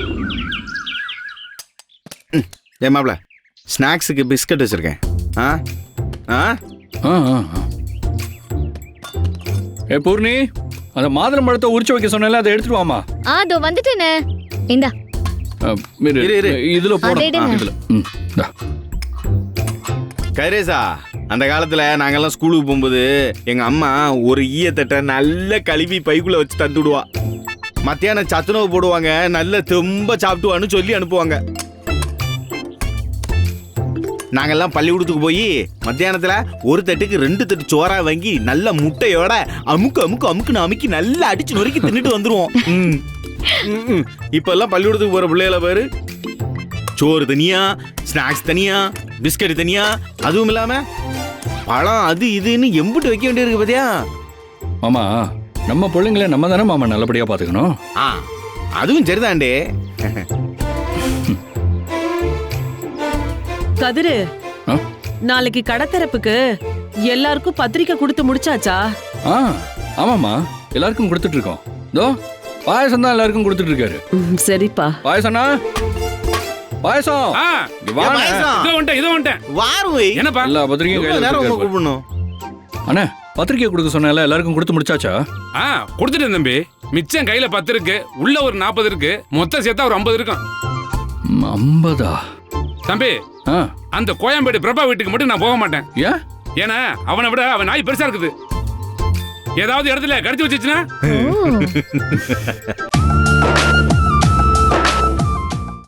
ஏன் மாப்ள ஸ்நாக்ஸுக்கு பிஸ்கட் வச்சிருக்கேன். ஆ ஆ ஆ ஆ ஆ. ஏ பூர்ணி, அந்த மாதுளம் பழத்தை உரிச்சு வைக்க சொன்னேன்ல, அதை எடுத்துட்டு வாமா. அதோ வந்துட்டேனே. இந்தா. இரு. இதுல போடு. எடுங்க. இதுல. இந்தா. கைரேசா, அந்த காலத்துல நாங்கெல்லாம் ஸ்கூலுக்கு போகும்போது எங்க அம்மா ஒரு ஈயத்தட்டை நல்ல கழுவி பைக்குள்ள வச்சு தந்துடுவா. மத்தியானம் சத்துணவு போடுவாங்க, நல்ல தெம்ப சாப்பிட்டுவான்னு சொல்லி அனுப்புவாங்க. நாங்கெல்லாம் பள்ளிக்கூடத்துக்கு போய் மத்தியானத்துல ஒரு தட்டுக்கு 2 தட்டு சோறா வாங்கி நல்ல முட்டையோட அமுக்குன்னு அமுக்கி நல்லா அடிச்சு நொறுக்கி தின்னுட்டு வந்துருவோம். இப்ப எல்லாம் பள்ளிக்கூடத்துக்கு போற பிள்ளைகள பாரு, சோறு தனியா, ஸ்நாக்ஸ் தனியா, பிஸ்கட் தனியா, அதுவும் இல்லாம பழம் அது இதுன்னு எம்பிட்டு வைக்க வேண்டியிருக்கு பாத்தியா. மாமா, நம்ம பிள்ளைங்களை நம்ம தானே மாமா நல்லபடியா பாத்துக்கணும். அதுவும் சரிதாண்டே. கதிரு, ஆ? நாளைக்கு கடத்தரப்புக்கு எல்லாருக்கும் பத்திரிக்கை கொடுத்து முடிச்சாச்சா? ஆமாமா, எல்லாருக்கும் கொடுத்துட்டு இருக்கோம். இதோ பாயசம் தான் எல்லாருக்கும் கொடுத்துட்டு இருக்காரு. சரிப்பா. பாயசம்னா பாயசம். இங்க வாண்ணே. இதோ வந்துட்டேன். வாருவை. என்னப்பா? எல்லா பத்திரிக்கையும் கையில நேரம் வச்சிருக்காரு. கூப்பிடணும். அண்ணே, பத்திரிக்கை கொடுக்க சொன்னேன்ல, எல்லாருக்கும் கொடுத்து முடிச்சாச்சா? கொடுத்துட்டேன் தம்பி. மிச்சம் கையில 10 இருக்கு, உள்ள ஒரு 40 இருக்கு, மொத்தம் சேர்த்தா ஒரு 50 இருக்கும். 50? தம்பி, அந்த கோயம்பேடு பிரபா வீட்டுக்கு மட்டும் நான் போக மாட்டேன். ஏன்? ஏன்னா அவனை விட அவன் நாய் பெருசா இருக்குது. ஏதாவது இடத்துல கடிச்சு வச்சுச்சுன்னா